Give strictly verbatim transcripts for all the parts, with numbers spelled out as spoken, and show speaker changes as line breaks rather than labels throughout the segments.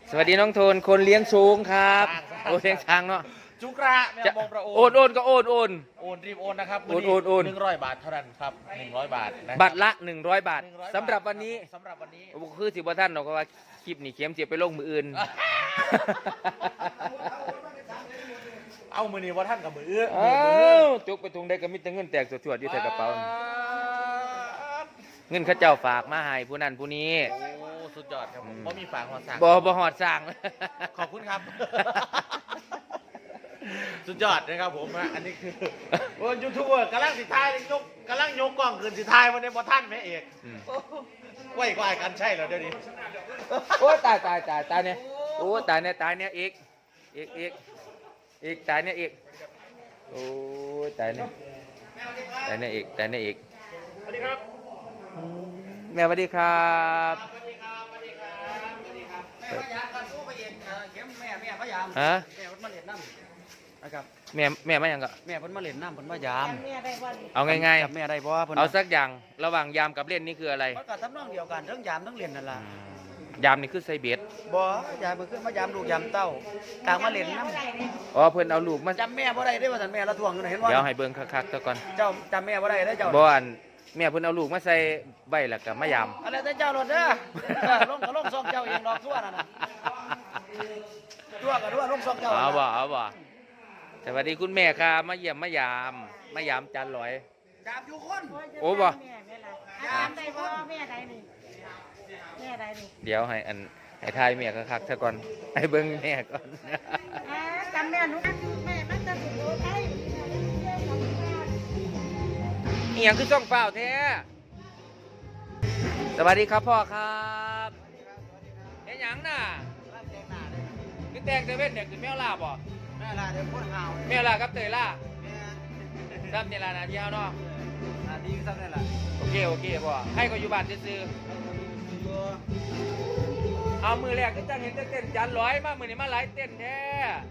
สวัสดีน้องโทนคนเลี้ยงช้างครับโอ้เลี้ยงช้างเนาะ
จุกระแม่บงประโอน
โอนโอนก็โอนโอน
โอนรีบโอนนะครับ
โอนโอนโอน
หนึ่งร้อยบาทเท่านั้นครับหนึ่งร้อยบาท
บัตรละหนึ่งร้อยบาทสำหรับวันนี้
สำหรับวันนี้
คือสิบท่านเราก็ว่าคลิปนี้เข็มเสียไปลงมืออื่น
เอามือนี้ว่าท่านกับมือเอื้อ
เอ้าจุกไปทุงได้ก็มีแต่เงินแตกสวดๆอยู่ใส่กระเป๋าเงินข้าเจ้าฝากมาให้ผู้นั้นผู้นี้
โอ้สุดยอดครับผมบ่มีฝากหอดสั่ง
บ่บ่หอดสั่ง
ขอบคุณครับสุดยอดนะครับผมอันนี้คือโอ้ยูทูบเบอร์กำลังสิทายยกกำลังยกกล้องขึ้นสิทายวันนี้บ่ท่านแม่เอกไหวกว่ากันใช่เหรอเดี๋ยวนี้
โอ้ตายตายตายตายเนี่ยโอ้ตายเนี่ยตายเนี่ยอีกอีกอีกอีกตายเนี่ยอีกโอ้ตายเนี่ยตายเนี่ยอีกตายเนี่ยอีก
สวัสดีครับ
แม่สวัสดีครับ
สวัสดีครับสวัสดีครับสวัสดีครับแม่พยายามกันสู้ไปเองเข็มแม่แม่พยายาม
ฮะ
แม่เพิ่นมาเล่นน้ำนะครับ
แม่แม่ไม่ยังก็
แม่เพิ่นมาเล่นน้ำเพิ่นพยายาม
เอาง่าย
ๆแม่ได้บ่เพิ่น
เอาสักอย่างระหว่างยามกับเล่นนี่คืออะไร
มันก็ทำนองเดียวกันทั้งยามทั้งเล่นนั่นล่ะ
ยามนี่คือใส่เบ็ด
บ่ยามเพิ่นขึ้นมายามลูกยามเต้าต่างมาเล่นน้ำ
อ๋อเพิ่นเอาลูกมา
จำแม่บ่ได้เด้ว่าซั่นแม่ละทวงอยู่เห็นบ่
เดี๋ยวให้เบิ่งคักๆซะก่อน
เจ้าจำแม่บ่ได้เด้อเจ้า
บ่อันแม่เพิ่นเอาลูกมาใส่ใบแล้วก็มายาม
อะไรแต่เจ้ารถเด้อลงก็ลงซองเจ้าเองดอกทั่วนั่นน่ะทั่วก็ทั่วลงซองเจ้า
เอาบ่เอาบ่สวัสดีคุณแม่ครับมาเยี่ยมมายามมายามจันลอย
ยามอยู่คน
โอ้บ่
ยามได้บ่แม่ใดนี่แม่ใดนี่
เดี๋ยวให้อันให้ทายแม่คักๆซะก่อนให้เบิ่งแม่ก่อน
จำแม่หนูอันแม่มันจะสุโขทัย
อีหยังคือช่องเปล่าแท้สวัสดีครับพ่อครับเฮ็ดหยังน่ะคือแต่งแต่เว้นเนี่ยคือแมวล่าบ่
แม่ล่ะเดี๋ยวคนหาว
แมวล่ากับเตยล่าซ้ำนี่ล่ะนะที่เฮาเนาะ
อ่าดีซ้ำนี่ล่ะ
โอเคโอเคพ่อให้ก็อยู่บ้านซื่อๆเอามือแรกก็จังเห็นเต้นจันร้อยมามื้อนี้มาหลายเต้นแท้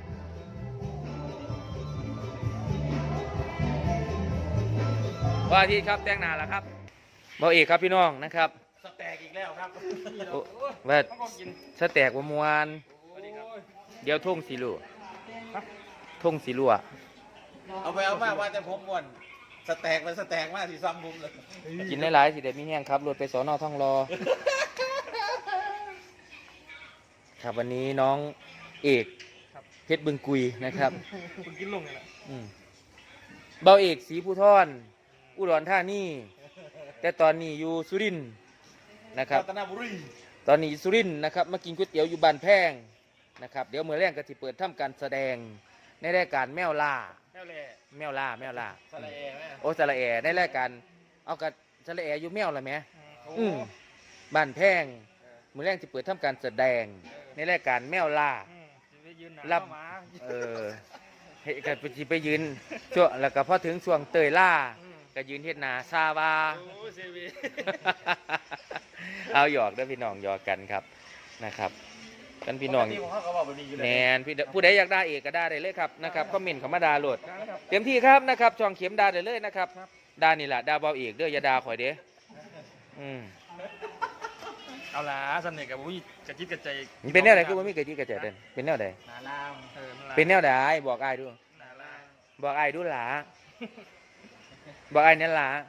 ว่าที่ครับแต่งหน้าแล้วครับบ่เอกครับพี่น้องนะครับ
สแต็กอีกแล้วครับ
ว่าสแต็กบ่ม่วนเดี๋ยวทุ่งสีลัวทุ่งสีลัว
เอาไปเอามาว่าแต่ผมม่วนสแต็กมันสแต็กมากสิซ้ำบุ้มเลย
กินหลายๆสิเด็ดมีแห้งครับรถไปสอนอท่องรอครับวันนี้น้องเอกเพชรบึงกุยนะครับ
คุณกินลงเลยนะ
เบาเอกศรีภูธรอุดรธานีแต่ตอนนี้อยู่สุรินทร์นะครับ
ต
อนนี้สุรินทร์นะครับมากินก๋วยเตี๋ยวอยู่บ้านแพงนะครับเดี๋ยวเมื่อแรงก็จะเปิดทำการแสดงในรายการแมวล่า
แมวเล่
แมวล่าแมวล่า
สระแอไหม
โอ้สระแอในรายการเอากับสระแออยู่แมวละไหมอืมบ้านแพงเมื่อแรงจะเปิดทำการแสดงในรายการแมวล่ารับเออให้กันไปยืนช่วงแล้วก็พอถึงช่วงเตยล่าก็ยืนเฮ็ดนาซาบาเอาหยอกเด้อพี่น้องหยอกกันครับนะครับกันพี่น้องแนนผู้ใดอยากได้เอกก็ได้เลยครับนะครับคอมเมนต์เข้ามาด่าโหลดเต็มที่ครับนะครับช่องเข็มด่าได้เลยนะครับด่านี่แหละด่าเบาเอกเด้ออย่าด่าข่อยเด้อืม
เอาล่ะสนิทกับวิกระจิตกระใจ
เป็นแนวไหนคือว่ามีกระจิตกระใจเด่นเป็นแนวไหนเป็นแนวไหนบอกอ้ายดูบอกอ้ายดูหล่ะบอกอ้ายนั่นหล่ะ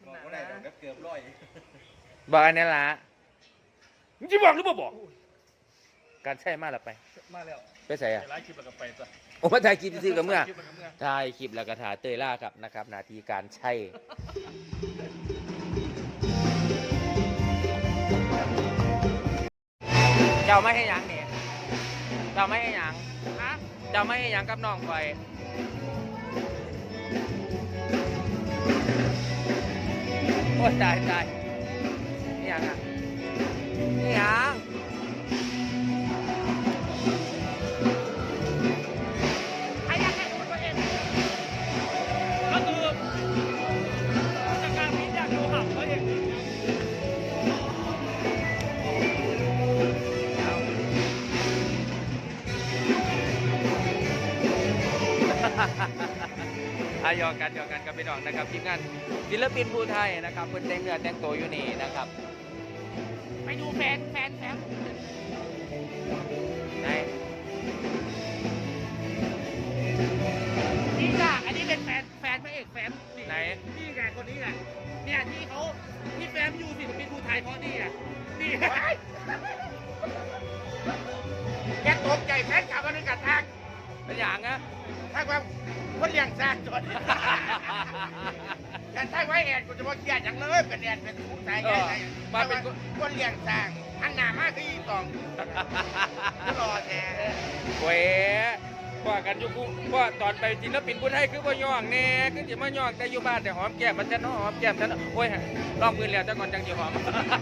บอกอ้ายนั่นหล่ะจะบอกหรือเปล่าบอกการใช่มาแล้วไป
มาแล้ว
ไปใส่อะ
ไลฟ์คลิปแล้วก็ไปจ้ะ
โอ้มาถ่ายคลิปซื้อกับเมื่อถ่ายคลิปแล้วก็ถ่ายเตยล่าครับนะครับนาทีการใช่เจ้าไม่ให้ยังเนี่ยเจ้าไม่ให้ยังฮะเจ้าไม่ให้ยังกับน้องไฟโอ้ตายตายนี่ยังอ่ะนี่ยังอายอกันยอกันกับพี่น้องนะครับทีมงานศิลปินภูไทยนะครับเพิ่นแต่งเนื้อแต่งตัวอยู่นี่นะครับไปดูแฟนแฟนแฟน
ายพอดีอ่ะนี่แกตกใจแฟนขับมาด้วยกันทัก
เป็นอย่างนะ
ทักว่าคนเลี้ยงซากจนกันทักไว้แอนกูจะมาเครียดอย่างเลยเป็นแอนเป็นผู้ชายใหญ่มาเป็นคนเลี้ยงซากอันหนามากคืออีตองรอแท้
เว้ยว่ากันอยู่กูว่าตอนไปศิลปินผู้ไทยคือบ่ย่องแน่คือสิมาย่องแต่อยู่บ้านแต่หอมแก้มมันจะน้อหอมแก้มฉันโอ้ยลองมือแล้วแต่ก่อนจังสิหอม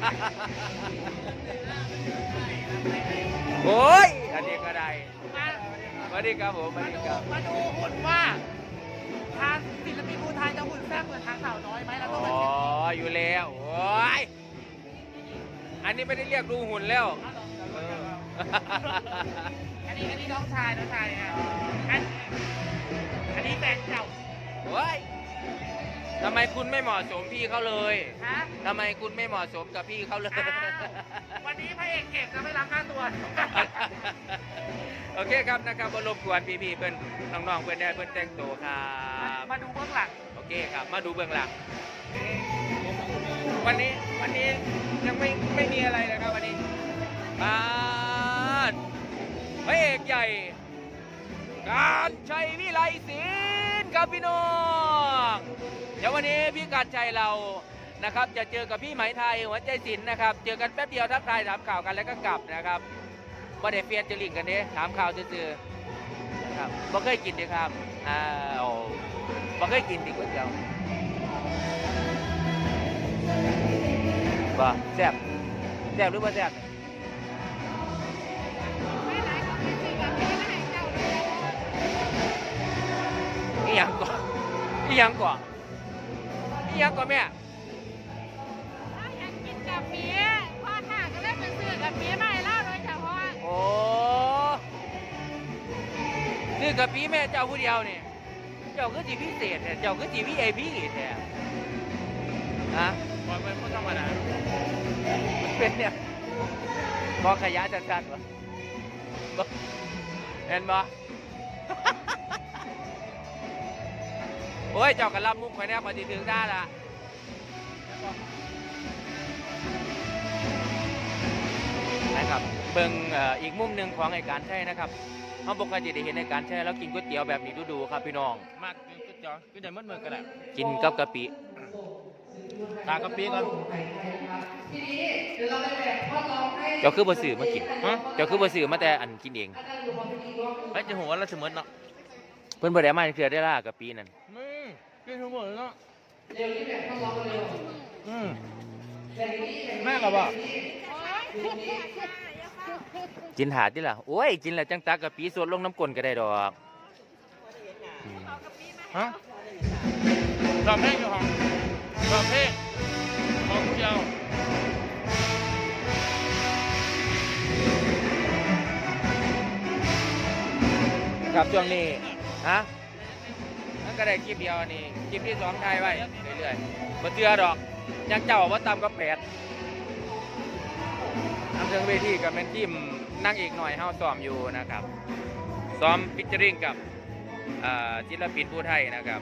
โอ้ยอันนี้ก็ได้สวัสดีครับผมสวัสดีครับ
มาดูหุ่นว่าทางศิลปินผู้ไทยจะหุ่นแซ่บเหมือนทางสาวน้อยไหมเราต้อง
อ๋
มา
ออยู่แล้วโอ้ยอันนี้ไม่ได้เรียกดูหุ่นแล้ว
อันนี้อันนี้น้องชายน้องชายอ่ะอันอันนี้แฟนเก่า
โอ้ยทำไมคุณไม่เหมาะสมพี่เขาเลย
ฮะ
ทำไมคุณไม่เหมาะสมกับพี่เขาเลย
วันนี้พระเอกเก็บจะไม่รับค่าตัว
โอเคครับนะครับบรบกวนพี่ๆเพื่อนน้องๆเพื่อนได้เพื่อนแต่งตัวครับ
มาดูเบื้องหลัง
โอเคครับมาดูเบื้องหลังวันนี้วันนี้ยังไม่ไม่มีอะไรเลยครับวันนี้บ้านพระเอกใหญ่การชัยวิไลศิลป์ครับพี่น้องเดี๋ยววันนี้พี่การชัยเรานะครับจะเจอกับพี่ไหมไทยหัวใจศิลป์นะครับเจอกันแป๊บเดียวทักทายถามข่าวกันแล้วก็กลับนะครับบ่ได้เฟียนจะลิงกันเด้ถามข่าวซื่อๆนะครับบ่เคยกินดิครับอ้าวบ่เคยกินดิก๋วยเตี๋ยวบ่แซ่บแซ่บหรือบ่แซ่บ
ไม่ไหนก็ไม่ซื้อกับพี่ไม่ให้เจ้าเลย
อีหยังก่อนอีหยังก่อนอีหยังก่อนแม่
ถ้าอยากกินกับเมียพ่อข้าก็เลยไปซื้อกับเมียมาให้เล่าโดยเฉพาะ
โอ้ซื้อกับพี่แม่เจ้าผู้เดียวนี่เจ้าคือจีพิเศษแท้เจ้าคือจีพีไอพีแท้ฮะ
บอลเป็นผู้ธรรมดา
มันเป็นเนี่ยพอขยะจัดๆวะบ่เห็นบ่ โอ้ยเจ้ากระลำมุกคอยแน่พอดีถึงได้ละนะครับเบิ่งเอ่ออีกมุมหนึ่งของไอ้การใช่นะครับเขาปกติได้เห็นไอ้การใช่แล้วกินก๋วยเตี๋ยวแบบนี้ดูๆครับพี่น้อง
มากกินก๋วยเตี๋ยวกินได้เมื่อเมื่อกันแหละ
กินกับกะปิ
ตากะปิก่อน
เจ้าคือบ่ซื้อมากิน
ฮะ
เจ้าคือบ่ซื้อมาแต่อันกินเอง
ไอ้จะหัวเราเสมอเนาะ
เพิ่นบ่ได้มาเทื่อได้ล่ะกะปินั่น
มึงกินทั้งหมดเนาะอืมแม่กับบ่
กินหาติล่ะโอ้ยกินแล้วจังตักกะปิสดลงน้ำก้นก็ได้ดอกอืม
ฮะรอเพลงอยู่ห้องรอเพลงของผู้เดียว
ครับช่วงนี้ฮะนั่นก็ได้คลิปเดียวนี่คลิปที่สองถ่ายไว้เรื่อยๆบ่เชื่อดอกยังเจ้าว่าต่ำก็แปดนำเชิงเวทีกับแม่นทีมนั่งเอกหน่อยเฮาซ้อมอยู่นะครับซ้อมฟิชเจอริงกับอ่าศิลปินผู้ไทยนะครับ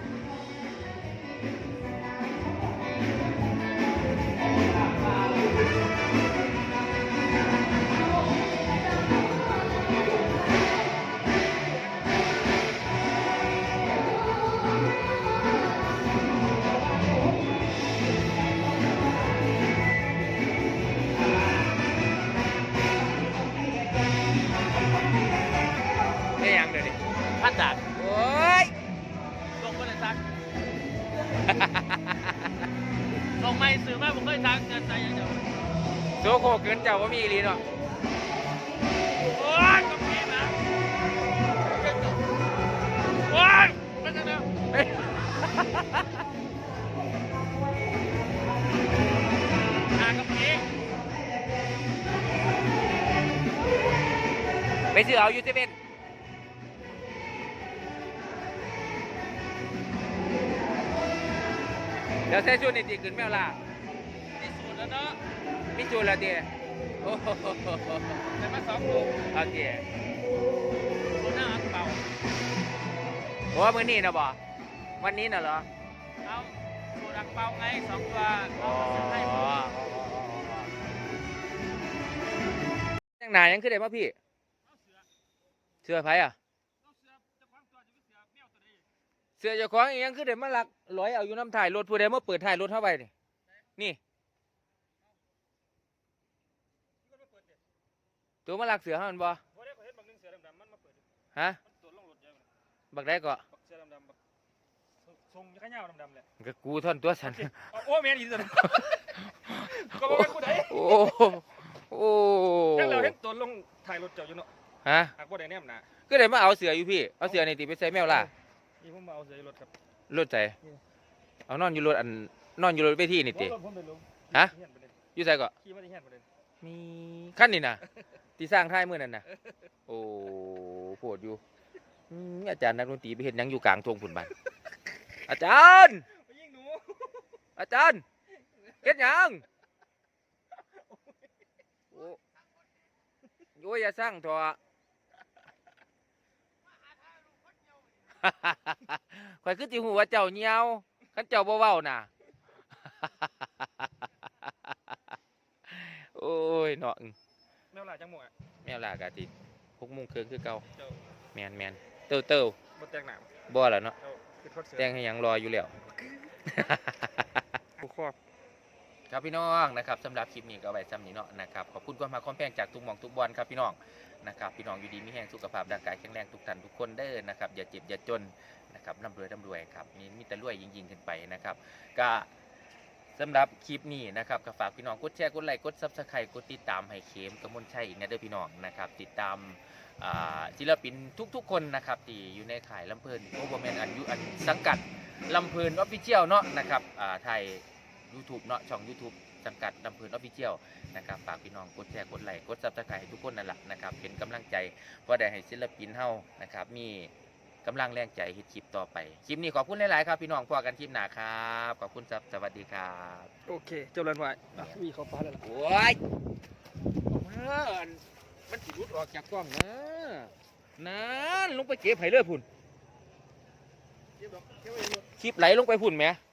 ได้ยังเดี๋ยวนี้
พัดจาก
โอ้ย
ลงไปเลยซักลงไม่สื่อแม่ผมเคยซักเงินใจอย่างเดียว
โซโคเกินเจ้าว่ามีอีหลีเนาะ
โอ๊ยกะปินะโอ๊ยเป็นยังไง
เฮ้ย
หากะปิ
ไปซื้อเอาอยู่เซเว่นเดี๋ยวใส่ชุดนี่ตีขึ้นแมวล่ะ
ที่สุดแล้วเนาะ
มีจูนละเดียโอ้โห
แต่มาสองลูก
โอเค
คนหน้าอังเปา
โอ้มื้อนี้นะบ่วันนี้น่ะเหรอ
เอาสูตรอังเปาไงสองตัว
อ๋อ
ให้ผม
หนายังคือได้มาพี่เสื้อไผอ่ะเสื้อเจ้าของอีหยังคือได้มาลักร้อยเอาอยู่น้ำถ่ายรถผู้ใดมาเปิดถ่ายรถเท่าไปนี่นี่ตัวมาลักเสือเฮามันบ่ฮะบักได้ก็
ทรงข้าวเหนียวดำๆเลย
ก็กูท่อนตัวสัน
โอ้แม่นอีสุดก็บอกว่ากูได้
โอ้โอ้
ยังเราเห็นตัวลงถ่ายรถเจ้าอยู่เนาะ
ฮะ
หากว่าได้แนมหนา
ก็ได้มาเอาเสืออยู่พี่เอาเสือในตีไปใส่แมวล่ะ
นี่ผมมาเอาเสียรถครับ
รถใส่เอานอนอยู่รถอันนอนอยู่รถไปที่นี่ติ
รถผมไปลง
ฮะ
ขี่มาเดิน
อยู่ใส่ก็
ขี่มาที่แห่นมาเดิน
มีขั้นนี่นะที่สร้างท้ายมือนั่นนะโอ้โหดอยู่อืมอาจารย์นักดนตรีไปเห็นยังอยู่กลางทงผุนบันอาจารย์
ไปยิงหนู
อาจารย์เฮ็ดหยังโอ้โอ้ยอย่าสร้างเถอะ ข่อยคือจิหูว่าเจ้าเหี่ยวคันเจ้าบ่เว้าน่ะ โอ้ยเนาะอึ้ง
แมวหลาจังหมดอ่ะ
แมวลากาติหกโมงครึ่งคือเก่า
เจ้า
แมนแมนเต้าเต้า
บดแตงหนาม
บ่แล้วเนาะ
เจ้าคือทอดเสือ
แต่งให้หยังรออยู่แล้ว
กูครอบ
ครับพี่น้องนะครับสำหรับคลิปนี้ก็เอาไว้ซ้ำนี้เนาะนะครับขอบคุณความมาความแพงจากทุกหม่องทุกบอลครับพี่น้องนะครับพี่น้องอยู่ดีมีแห้งสุขภาพร่างกายแข็งแรงทุกท่านทุกคนเด้อนะครับอย่าเจ็บอย่าจนนะครับร่ำรวยร่ำรวยครับมีมีแต่รวยยิ่งๆขึ้นไปนะครับก็สำหรับคลิปนี้นะครับก็ฝากพี่น้องกดแชร์กดไลค์กดซับสไครต์กดติดตามให้เข็มกมลชัยอีกนะเด้อพี่น้องนะครับติดตามอ่าศิลปินทุกๆคนนะครับที่อยู่ในข่ายลำเพลินโอเวอร์แมนอันยุอันสังกัดลำเพลินออฟฟิเชียลเนาะนะครับอ่าไทย YouTube เนาะช่อง YouTube สังกัดลำเพลินออฟฟิเชียลนะครับฝากพี่น้องกดแชร์กดไลค์กดซับสไครต์ให้ทุกคนนั่นแหละนะครับเป็นกำลังใจเพราะได้ให้ศิลปินเฮานะครับมีกำลังแรงใจเฮ็ดคลิปต่อไปคลิปนี้ขอบคุณหลายๆครับพี่น้องพอกันคลิปหน้าครับขอบคุณครับสวัสดีครับ
โอเคเจ้าเรือนไว้อ่ะวีเขาฟ้าแล้วล่ะ
โอ้ยมันมันสิรุดออกจากกล้องนะนั่นลงไปเก็บไห้เลยพุ่น
เก็บดอกเก็บไว้เยอะ
คลิปไหลลงไปพุ่นไหม